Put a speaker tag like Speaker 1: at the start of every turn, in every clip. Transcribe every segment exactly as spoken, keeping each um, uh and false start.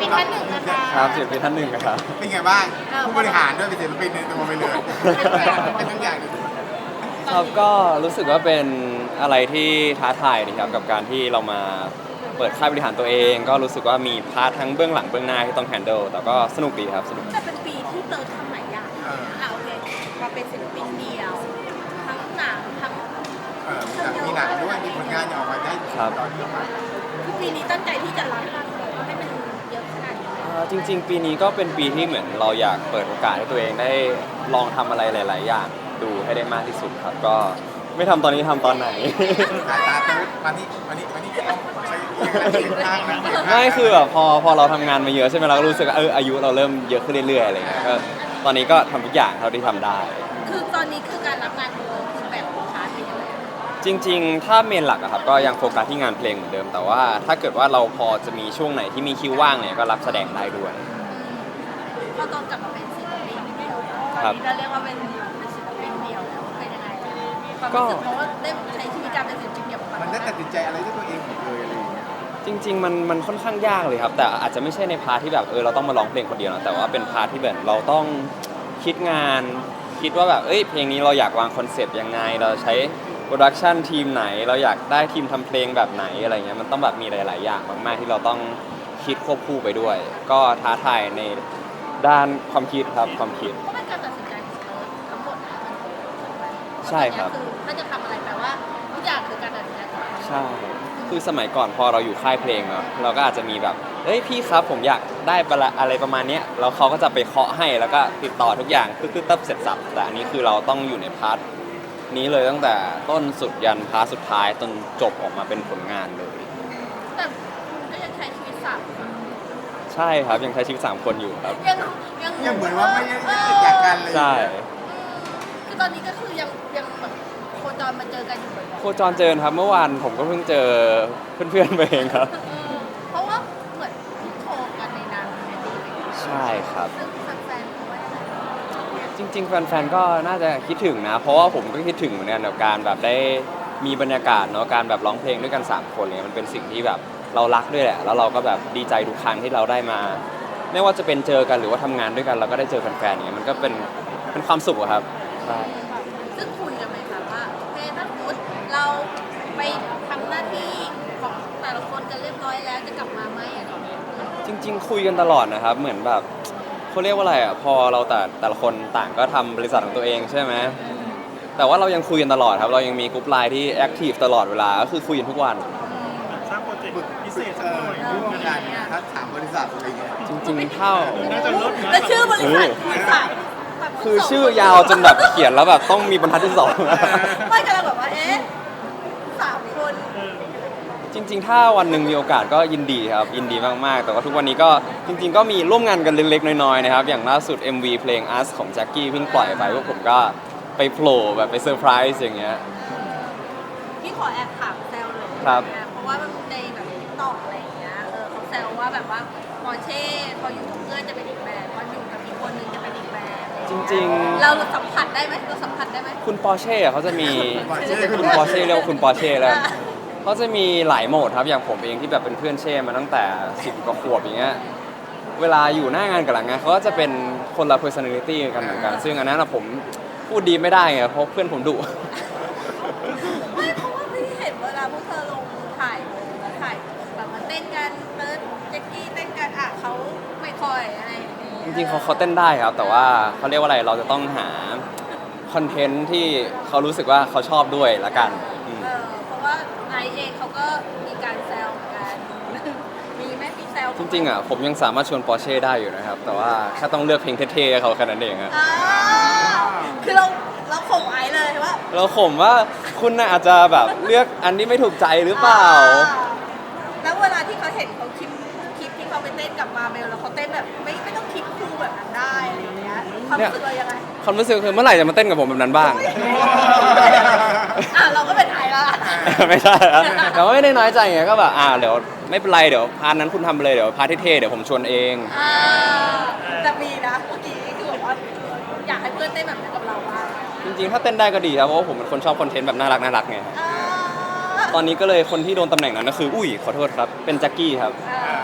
Speaker 1: ปินท่านหนึ่งนะคะ
Speaker 2: ครับศิลปินท่านหนึ่งครับ
Speaker 3: เป็นไงบ้างผู้บริหารด้วยเป็นศิลปินในตัวไปเลยเป็นทุกอย่างเลย
Speaker 2: ครับก็รู้สึกว่าเป็นอะไรที่ท้าทายดีครับกับการที่เรามาเปิดค่ายบริหารตัวเอง ก็รู้สึกว่ามีพาร์ททั้งเบื้องหลังเบื้องหน้าที่ต้องแฮนเดิลแต่ก็สนุกดีครับสนุก
Speaker 1: แต่เป็นปีที่เติร์ดทำหลายอย่างอ่ะโอเคมาเป็นศิลปินเดี่ยว ทั้งหนังทั้ง
Speaker 3: เออมีหนังด้วยมีผลงานออกมาได้ตอนนี้มา
Speaker 1: คือปีนี้ตั้งใจที่จะรับมันให้มันเยอะขนาดนี้
Speaker 2: อ่าจริงๆ ปีนี้ก็เป็นปีที่เหมือนเราอยากเปิดโอกาสให้ตัวเองได้ลองทำอะไรหลาย ๆ อย่างดูให้ได้มากที่สุดครับก็ไม่ทำตอนนี้ทำตอนไหน
Speaker 3: สายตาเติร์ดวันนี้วันนี้วันนี้ต้องใช้เสียงข้างนะ
Speaker 2: ไม่คือแบบพอพอเราทำงานมาเยอะใช่ไหมเราก็รู้สึกว่าเอออายุเราเริ่มเยอะขึ้นเรื่อยๆอะไรเงี้ยก็ตอนนี้ก็ทำทุกอย่างเท่าที่ทำได้
Speaker 1: คือตอนนี้คือการรับงานของเราคือแบบของชาร์จเป็นยังไง
Speaker 2: จริงๆ ถ้าเมนหลักอะครับก็ยังโฟกัสที่งานเพลงเหมือนเดิม แต่ว่าถ้าเกิดว่าเราพอจะมีช่วงไหนที่มีคิวว่างเนี่ยก็รับแสดงได้ด้วย
Speaker 1: พอตอนกลับมาเป็นศิลปินเดี่ยวตอนนี้เราเรียกว่าเป็นเป็นศิลปินเดี่ยวแล้วเป็นยังไงความรู้สึกเพราะว่าได้ใช้ชีวิตการเป็นศิลปินเดี่ยวมา
Speaker 3: มันได้ตัดสินใจอะไรด้วยตัวเองหมดเลยอะไรอย่างเงี้ย
Speaker 2: จริงๆ มันมันค่อนข้างยากเลยครับ แต่อาจจะไม่ใช่ในพาร์ทที่แบบเออเราต้องมาร้องเพลงคนเดียวนะแต่ว่าเป็นพาร์ทที่แบบเราต้องคิดงาน คิดว่าแบบเอ้ยเพลงนี้เราอยากวางคอนเซปต์ยังไง เราใช้โปรดักชันทีมไหน เราอยากได้ทีมทำเพลงแบบไหนอะไรเงี้ยมันต้องแบบมีหลายๆอย่างมากๆที่เราต้องคิดควบคู่ไปด้วย ก็ท้าทายในด้านความคิดครับความคิด
Speaker 1: ก็เป็นการตัดสินใจของเราทั้งหมดนะ
Speaker 2: ใช่ครับ
Speaker 1: คือถ้าจะทำอะไรแปลว่าทุกอย่างคือการตัดสินใจของเรา
Speaker 2: ใช่ คือสมัยก่อนพอเราอยู่ค่ายเพลงเนาะเราก็อาจจะมีแบบเฮ้ยพี่ครับผมอยากได้อะไรประมาณเนี้ยแล้วเขาก็จะไปเคาะให้แล้วก็ติดต่อทุกอย่างตึ๊ดๆตับเสร็จสับแต่อันนี้คือเราต้องอยู่ในพาร์ทนี้เลยตั้งแต่ต้นสุดยันพาร์ทสุดท้ายจนจบออกมาเป็นผลงานเลย
Speaker 1: แต่คุณก็ยังใช้ชีวิตสามคน
Speaker 2: ใช่ครับยังใช้ชีวิตสามคนอยู่ครับ
Speaker 1: ยังยัง
Speaker 3: ยังเหมือนว่าไม่ได้ติดจากกันเลย
Speaker 2: ใช่
Speaker 1: คือตอนนี้ก็คือยังยังแบบโคจรมาเจอกันอยู่บ่อย
Speaker 2: โคจรเจอครับเมื่อวานผมก็เพิ่งเจอเพื่อนๆไปเองครับ
Speaker 1: ๆเออเพราะว่าเหมือนที่โทรกันในนามในดีเลย
Speaker 2: ใช่ครับ
Speaker 1: ซึ่งแฟนๆเขาว่ายังไง
Speaker 2: จริงๆ แฟนๆ ก็น่าจะคิดถึงนะ เพราะว่าผมก็คิดถึงเหมือนกันกับการแบบได้มีบรรยากาศเนาะ การแบบร้องเพลงด้วยกันสามคนเนี่ยมันเป็นสิ่งที่แบบเรารักด้วยแหละ แล้วเราก็แบบดีใจทุกครั้งที่เราได้มา ไม่ว่าจะเป็นเจอกันหรือว่าทำงานด้วยกันเราก็ได้เจอแฟนๆเนี่ยมันก็เป็นเป็นความสุขอะครับใช่
Speaker 1: ซึ่งคุยกันไหมคะว่าโอเคถ้าสมมติเราไปทำหน้าที่ของแต่ละคนกันเรียบร้อยแล้วจะกลับมาไหมอะไรอย่างเงี้ย
Speaker 2: จริง ๆ คุยกันตลอดนะครับ เหมือนแบบเขาเรียกว่าอะไรอ่ะ พอเราแต่แต่ละคนต่างก็ทำบริษัทของตัวเองใช่ไหม แต่ว่าเรายังคุยกันตลอดครับ เรายังมีกลุ่มไลน์ที่แอคทีฟตลอดเวลา ก็คือคุยกันทุกวัน
Speaker 4: สร้างโปรเจกต์พิเศษ
Speaker 3: เอ
Speaker 4: สักห
Speaker 3: อ
Speaker 4: น่อย
Speaker 3: ร่วมกันถ้าถามบริษัทอะไรเงี้ย
Speaker 2: จริงๆเท่า
Speaker 4: น่าจะลดนะ
Speaker 1: แล้วชื่อบริษัทบริษัทแบบ
Speaker 2: คือชื่อยาวจนแบบเขียนแล้วแบบต้องมีบรรทัดที่สอง
Speaker 1: ไม่กำลังแบบว่าเอ๊ะสามคน
Speaker 2: จริงๆ ถ้าวันหนึ่งมีโอกาสก็ยินดีครับ ยินดีมากๆ แต่ว่าทุกวันนี้ก็จริงๆ ก็มีร่วมงานกันเล็กๆ น้อยๆ นะครับ อย่างล่าสุด เอ็ม วี เพลง Us ของแจ็คกี้เพิ่งปล่อยไปพวกผมก็ไปโผล่แบบไปเซอร์ไพรส์อย่างเงี้ย
Speaker 1: พี่ขอแอบถามแซวเลย
Speaker 2: ครับ
Speaker 1: นะเพราะว่ามันในแบบตอกอะไรอย่างเงี้ยเออเขาแซวว่าแบบว่าปอร์เช่พออยู่กับเพื่อนจะเป็นอีกแบบพออยู่กับอีกคนนึงจะเป็นอีกแบบ
Speaker 2: จริงๆ
Speaker 1: เราสัมผัสได้ไหมเราสัมผัสได้ไหม
Speaker 2: คุณปอร์เช่เขาจะมี
Speaker 3: Porsche
Speaker 2: คุณปอร์เช่เรียกว่าคุณปอร์เช่แล้วเขาจะมีหลายโหมดครับ อย่างผมเองที่แบบเป็นเพื่อนเช่มาตั้งแต่สิบกว่าขวบอย่างเงี้ย เวลาอยู่หน้างานกับหลังงานเขาก็จะเป็นคนละ personality กันเหมือนกัน ซึ่งอันนั้นอะผมพูดดีไม่ได้ไง เพราะเพื่อนผมดุ
Speaker 1: ไม่เพราะว่าพี่เห็นเวลาพวกเธอลงถ่ายลงแล้วถ่ายแบบมาเต้นกันเติร์ดแจ็คกี้เต้นกันอ่ะเขาไม่ค่อยอะไรอย่างเงี้ย
Speaker 2: จริงๆเขาเขาเต้นได้ครับ แต่ว่าเขาเรียกว่าอะไร เราจะต้องหาคอนเทนต์ที่เขารู้สึกว่าเขาชอบด้วยละกันอืม
Speaker 1: เออเพราะว่าไนท์เองเขาก็มีการแซวเหมือนกัน มีไหมมีแซว
Speaker 2: จริงๆอ่ะผมยังสามารถชวนปอร์เช่ได้อยู่นะครับ แต่ว่าแค่ต้องเลือกเพลงเท่ๆให้เขาแค่นั้นเองอะ
Speaker 1: อ่าคือเราเราข่มไอซ์เลยว่า
Speaker 2: เราข่มว่าคุณน่ะอาจจะแบบเลือกอันที่ไม่ถูกใจหรือเปล่า
Speaker 1: แล้วเวลาที่เขาเห็นเขาคลิปคลิปที่เขาไปเต้นกับมาเบลแล้วเขาเต้นแบบไม่ไม่ต้องคลิปคู่แบบนั้นได้อะไรอย่างเงี้ยความรู้สึกเรายังไง
Speaker 2: ความรู้สึกคือเมื่อไหร่จะมาเต้นกับผมแบบนั้นบ้าง
Speaker 1: อ่ะเราก็เป็นไอซ์ละ
Speaker 2: ไม่ใช่ครับแต่ว่าไม่ได้น้อยใจไงก็แบบอ่าเดี๋ยวไม่เป็นไรเดี๋ยวพาร์ทนั้นคุณทำไปเลยเดี๋ยวพาร์ทที่เท่เดี๋ยวผมชวนเอง
Speaker 1: อ่าแต่มีนะเมื่อกี้คือแบบว่าอยากให้เพื่อนเต้นแบบนั้นกับเราบ้าง
Speaker 2: จริงๆถ้าเต้นได้ก็ดีครับเพราะว่าผมเป็นคนชอบคอนเทนต์แบบน่ารักน่ารักไง
Speaker 1: อ่า
Speaker 2: ตอนนี้ก็เลยคนที่โดนตำแหน่งนั้นก็คืออุ้ยขอโทษครับเป็นแจ็คกี้ครับ
Speaker 1: อ่า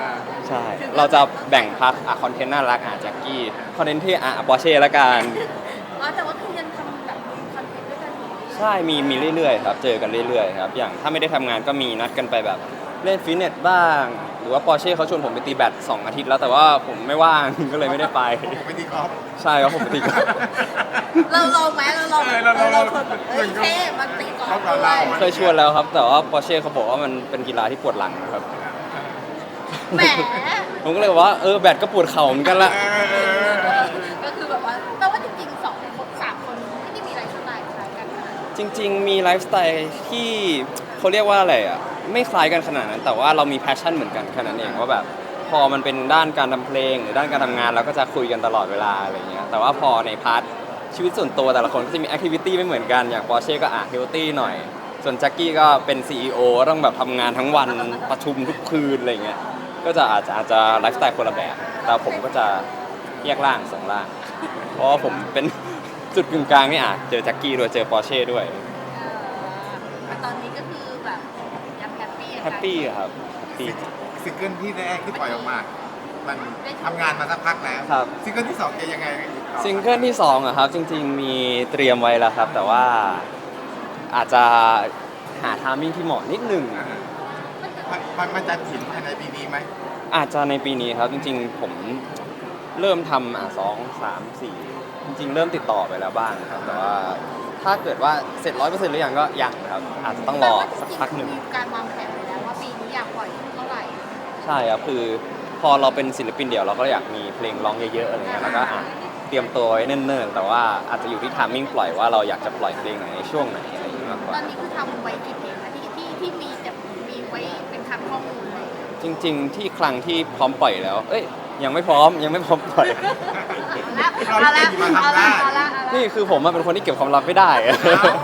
Speaker 2: ใช่ เราจะแบ่งพาร์ทอ่ะคอนเทนต์น่ารักอ่ะแจ็คกี้คอนเทนต์ที่อ่ะปอร์เช่ละกัน
Speaker 1: อ๋อแต่ว่าคือยังทำแบบคอนเทนต์ด้วยกันอยู่
Speaker 2: ใช่มีมีเรื่อยๆครับเจอกันเรื่อยๆครับอย่างถ้าไม่ได้ทำงานก็มีนัดกันไปแบบเล่นฟิตเนสบ้าง หรือว่าปอร์เช่เขาชวนผมไปตีแบดสองอาทิตย์แล้วแต่ว่าผมไม่ว่าง ก็เลยไม่ได้ไป
Speaker 3: ผมไปตีกอล์ฟ
Speaker 2: ใช่ครับผมไปตีกอล์ฟ
Speaker 1: เราลองไหมเราลอง
Speaker 3: เออเราลอง
Speaker 1: เราคนแบบเอ้ยเท่มาตีกอล์ฟด้ว
Speaker 3: เรา
Speaker 1: ย
Speaker 3: เรา
Speaker 2: เคยชวนแล้วครับ แต่ว่าปอร์เช่เขาบอกว่ามันเป็นกีฬาที่ปวดหลังนะครับ
Speaker 1: แหม
Speaker 2: ผมก็เลยบอกว่าเออแบดก็ปวดเข่าเหมือนกันละ
Speaker 1: ก็คือแบบว่าแปลว่าจริงๆสองคนสามคนไม่ได้มีอะไรสไตล์คล้ายกันนะ
Speaker 2: จริง ๆ มีไลฟ์สไตล์ที่เขาเรียกว่าอะไรอ่ะไม่คล้ายกันขนาดนั้น แต่ว่าเรามีแพชชั่นเหมือนกันแค่นั้นเองว่าแบบพอมันเป็นด้านการทำเพลงหรือด้านการทำงานเราก็จะคุยกันตลอดเวลาอะไรเงี้ยแต่ว่าพอในพาร์ทชีวิตส่วนตัวแต่ละคนก็จะมีแอคทิวิตี้ไม่เหมือนกันอย่างปอร์เช่ก็อ่ะเฮลตี้หน่อย ส่วนแจ็คกี้ก็เป็น ซี อี โอ ต้องแบบทำงานทั้งวันประชุมทุกคืนอะไรเงี้ยก็จะอาจจะอาจจะไลฟ์สไตล์คนละแบบ แต่ผมก็จะแยกร่างสองร่าง เพราะว่าผมเป็น จุดกึ่งกลางนี่อ่ะเจอแจ็คกี้ด้วยเจอปอร์เช่ด้วย
Speaker 1: เออแต่ตอนนี้ก็คือแบบยังแฮปปี้
Speaker 2: แฮปปี้ครับแฮปปี้
Speaker 3: ซิงเกิลที่แรกที่ปล่อยออกมา มันทำงานมาสักพักแล้ว
Speaker 2: ครับ
Speaker 3: ซิงเกิลที่สองจะยังไงต่อ
Speaker 2: ซิงเกิลที่สองอะครับจริงๆมีเตรียมไว้แล้วครับ แต่ว่าอาจจะหาทามมิ่งที่เหมาะนิดหนึ่ง
Speaker 3: อ่ามันมันมันจะถึงภายในปีนี้ไหม
Speaker 2: อาจจะในปีนี้ครับจริงๆผมเริ่มทำอ่ะสองสามสี่จริงๆ เริ่มติดต่อไปแล้วบ้างครับ แต่ว่าถ้าเกิดว่าเสร็จร้อยเปอร์เซ็นต์หรือยังก็ยังครับ อาจจะต้องรอสักพักหนึ่ง
Speaker 1: มีการวางแผนไว้แล้วว่าปีนี้อยากปล่อยเท่าไหร่
Speaker 2: ใช่ครับคือพอเราเป็นศิลปินเดี่ยวเราก็อยากมีเพลงร้องเยอะๆอะไรเงี้ยแล้วก็อ่ะเตรียมตัวไว้เนิ่นๆแต่ว่าอาจจะอยู่ที่ทามมิ่งปล่อยว่าเราอยากจะปล่อยเพลงไหนในช่วงไหนอะไรอย่างเงี้ยมากก
Speaker 1: ตอ
Speaker 2: ว่า
Speaker 1: นนี้คือทำไว้กี่เพลงนะที่ที่ที่มีแบบมีไว้เป็นคันข้อมูลเลย
Speaker 2: จริง ๆ ที่ครั้งที่พร้อมปล่อยแล้ว เอ้ยยังไม่พร้อมยังไม่พร้อมปล่อย
Speaker 1: เอาละเอาละเอาละเอาละ
Speaker 2: นี่คือผมอะเป็นคนที่เก็บความลับไม่ได้
Speaker 1: อ่ะ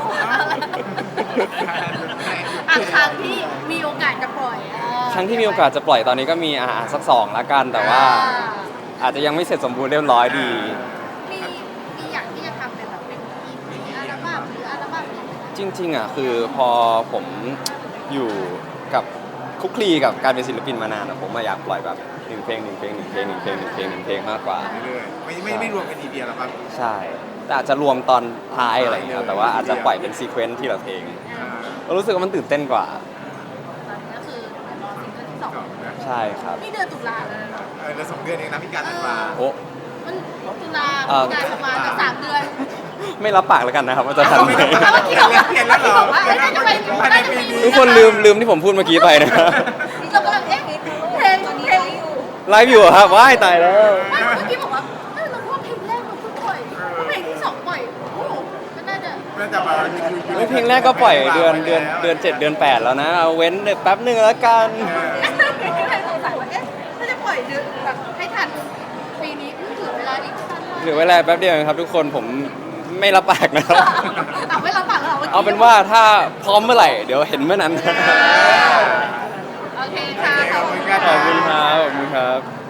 Speaker 1: ครั้งที่มีโอกาสจะปล่อยเออ
Speaker 2: ครั้งที่มีโอกาสจะปล่อยตอนนี้ก็มีอ่าสักสองละกัน แต่ว่าอาจจะยังไม่เสร็จสมบูรณ์เรียบร้อยดี
Speaker 1: มีมีอยากที่จะทำเป็นแบบเป็นอีพีอัลบั้มหรืออัลบั้มนี้ไหม
Speaker 2: จริงๆอ่ะคือพอผมอยู่กับคุกคลีกับการเป็นศิลปินมานานอะผมมาอยากปล่อยแบบหนึ่งเพลงหนึ่งเพลงหนึ่งเพลงหนึ่งเพลงหนึ่งเพลงหนึ่งเพลงมากกว่า
Speaker 3: เรื่อยๆไม่ไม่ไม่รวมกันทีเดียวหรอกครับ
Speaker 2: ใช่แต่อาจจะรวมตอนท้ายอะไรอย่างเงี้ยแต่ว่าอาจจะปล่อยเป็นซีเควนซ์ทีละเพลง
Speaker 3: อ่า
Speaker 2: เรารู้สึกว่ามันตื่นเต้นกว่า
Speaker 1: ตอนนี้ก็คือรอซิงเกิลที่สอง
Speaker 3: สองนะ
Speaker 2: ใช่ครับ
Speaker 1: นี่เดือนตุลาเลยนะ
Speaker 3: เออเราสองเดือนเองนะพี่การธันวา
Speaker 2: โอ้
Speaker 1: มันตุลา
Speaker 2: เอ่อ
Speaker 1: การประมาณสามเดือน
Speaker 2: ไม่รับปากแล้วกันนะครับว่าจะทันไหม
Speaker 1: แล้วเมื่อกี้บอกว่าเมื่อกี้บอกว่าเอ้ยน่าจะไปน่าจะไป
Speaker 2: ทุกคนลืมลืมที่ผมพูดเมื่อกี้ไปนะครับ
Speaker 1: เรากำลังเอ๊ะเพลงเพลงอยู่
Speaker 2: ไลฟ์อยู่เหรอครับว้ายตายแล้ว
Speaker 1: ไม่เมื่อกี้บอกว่าเอ้ยเราว่าเพลงแรกเราเพิ่งปล่อยเพราะเพลงที่สองปล่อยโอ้โหก็น่าจะ
Speaker 3: น่าจะมาอยู่อยู่อยู่
Speaker 2: เฮ้ยเพลงแรกก็ปล่อยเดือนเดือนเดือนเจ็ดเดือนแปดแล้วนะเอาเว้นแป๊บหนึ่งแล้วกัน
Speaker 1: ก็เลยสงสัยว่าเอ๊ะถ้าจะปล่อยเดือนแบบให้ทันปีนี้เหลือเวลาอีกสั้นมาก
Speaker 2: เหลือเวลาแป๊บเดียวเองครับทุกคนผมไม่รับปากนะครับ
Speaker 1: เอาไม่รับปากแล้วหรมื่กี้
Speaker 2: เอาเป็นว่าถ้าพร้อมเมื่อไหร่เดี๋ยวเห็นเมื่อนั้น
Speaker 1: โอเคค่ะ
Speaker 3: ขอบคุณครับ
Speaker 2: ขอบคุณครับขอบคุณครับ